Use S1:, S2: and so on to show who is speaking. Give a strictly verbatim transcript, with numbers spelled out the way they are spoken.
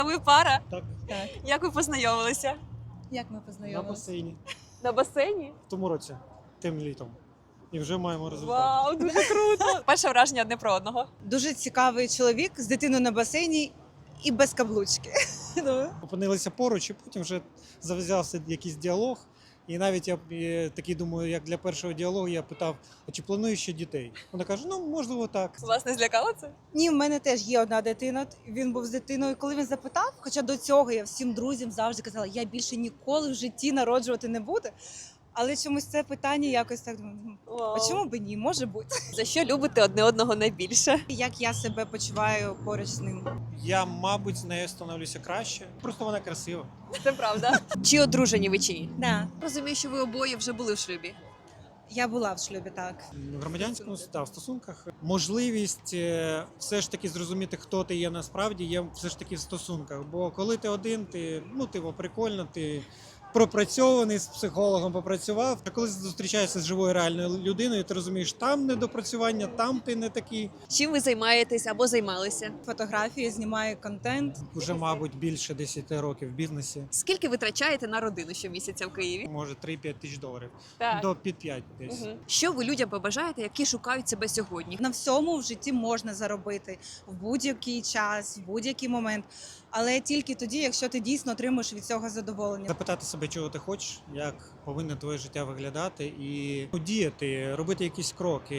S1: Ви пара?
S2: Так,
S3: Так.
S1: Як ви познайомилися?
S3: Як ми
S2: на
S3: познайомилися?
S2: басейні.
S1: На басейні?
S2: В тому році, тим літом. І вже маємо результат.
S1: Вау, дуже круто! Перше враження одне про одного.
S3: Дуже цікавий чоловік з дитиною на басейні і без каблучки. Ну,
S2: Опинилися поруч, і потім вже зав'язався якийсь діалог. І навіть я е, такий думаю, як для першого діалогу я питав, а чи плануєш ще дітей? Вона каже, ну можливо так.
S1: Вас не злякало це?
S3: Ні, в мене теж є одна дитина. Він був з дитиною. Коли він запитав, хоча до цього я всім друзям завжди казала, я більше ніколи в житті народжувати не буду. Але чомусь це питання якось так думаю, «М,
S1: Вау.
S3: а чому б і ні, може бути.
S1: За що любите одне одного найбільше?
S3: Як я себе почуваю поруч з ним.
S2: Я, мабуть, з нею становлюся краще. Просто вона красива.
S1: Це правда. Чи одружені ви чи ні?
S3: Да.
S1: Розумію, що ви обоє вже були в шлюбі.
S3: Я була в шлюбі, так.
S2: В громадянському та, в стосунках можливість е, все ж таки зрозуміти, хто ти є насправді, є все ж таки в стосунках. Бо коли ти один, ти ну типу, прикольно, ти пропрацьований з психологом, попрацював. А коли зустрічаєшся з живою реальною людиною, ти розумієш, там недопрацювання, там ти не такий.
S1: Чим ви займаєтесь або займалися?
S3: Фотографії, знімаю контент.
S2: Уже, мабуть, більше десяти років в бізнесі.
S1: Скільки ви витрачаєте на родину щомісяця в Києві?
S2: Може, три-п'ять тисяч доларів.
S1: Так.
S2: До під п'ять десь.
S1: Мгм. Що ви людям побажаєте, які шукають себе сьогодні?
S3: На всьому в житті можна заробити в будь-який час, в будь-який момент, але тільки тоді, якщо ти дійсно отримуєш від цього задоволення.
S2: Запитати себе, чого ти хочеш, як повинно твоє життя виглядати, і ну, діяти, робити якісь кроки.